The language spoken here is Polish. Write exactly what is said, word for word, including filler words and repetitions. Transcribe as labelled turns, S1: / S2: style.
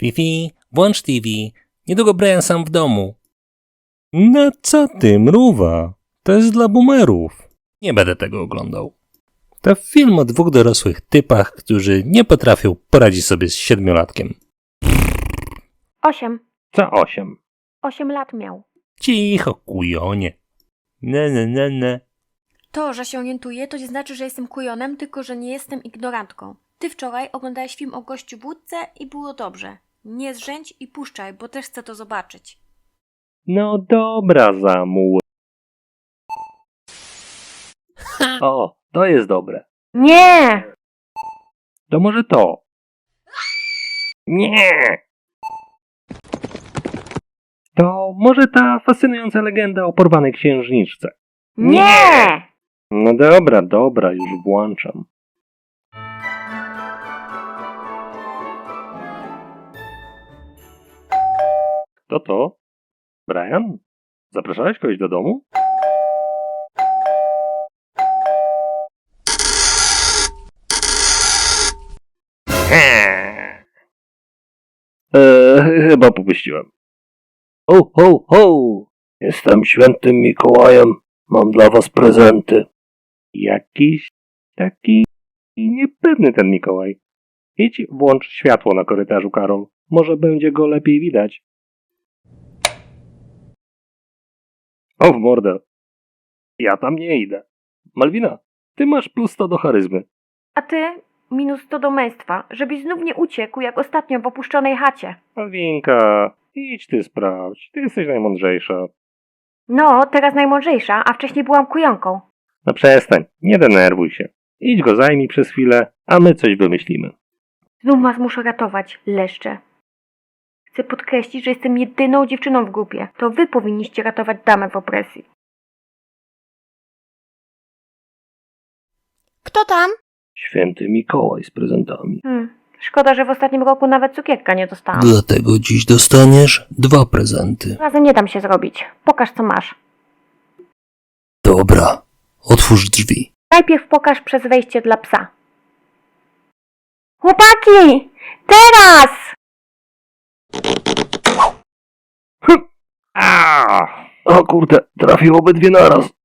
S1: Fifi, włącz T V. Niedługo Brian sam w domu. No co ty, mruwa? To jest dla boomerów. Nie będę tego oglądał. To film o dwóch dorosłych typach, którzy nie potrafią poradzić sobie z siedmiolatkiem.
S2: Osiem.
S1: Co osiem?
S2: Osiem lat miał.
S1: Cicho, kujonie. Ne, ne, ne, ne.
S2: To, że się orientuję, to nie znaczy, że jestem kujonem, tylko że nie jestem ignorantką. Ty wczoraj oglądałeś film o gościu w łódce i było dobrze. Nie zrzędź i puszczaj, bo też chcę to zobaczyć.
S3: No dobra, Zamu. O, to jest dobre.
S2: Nie!
S3: To może to. Nie! To może ta fascynująca legenda o porwanej księżniczce.
S2: Nie!
S3: No dobra, dobra, już włączam. Kto to? Brian? Zapraszałeś kogoś do domu? Eee, chyba popuściłem. Ho, ho, ho! Jestem świętym Mikołajem. Mam dla was prezenty. Jakiś taki niepewny ten Mikołaj. Idź, włącz światło na korytarzu, Karol. Może będzie go lepiej widać. O, w mordę. Ja tam nie idę. Malwina, ty masz plus sto do charyzmy.
S2: A ty minus sto do męstwa, żebyś znów nie uciekł jak ostatnio w opuszczonej chacie.
S3: Malwinka, idź ty sprawdź. Ty jesteś najmądrzejsza.
S2: No, teraz najmądrzejsza, a wcześniej byłam kujonką.
S3: No przestań, nie denerwuj się. Idź go zajmij przez chwilę, a my coś wymyślimy.
S2: Znów was muszę ratować, leszcze. Chcę podkreślić, że jestem jedyną dziewczyną w grupie. To wy powinniście ratować damę w opresji.
S4: Kto tam?
S3: Święty Mikołaj z prezentami.
S2: Hmm, szkoda, że w ostatnim roku nawet cukierka nie dostałam.
S1: Dlatego dziś dostaniesz dwa prezenty.
S2: Razem nie dam się zrobić. Pokaż, co masz.
S1: Dobra, otwórz drzwi.
S2: Najpierw pokaż przez wejście dla psa. Chłopaki! Teraz!
S3: A! O kurde, trafił obydwie naraz.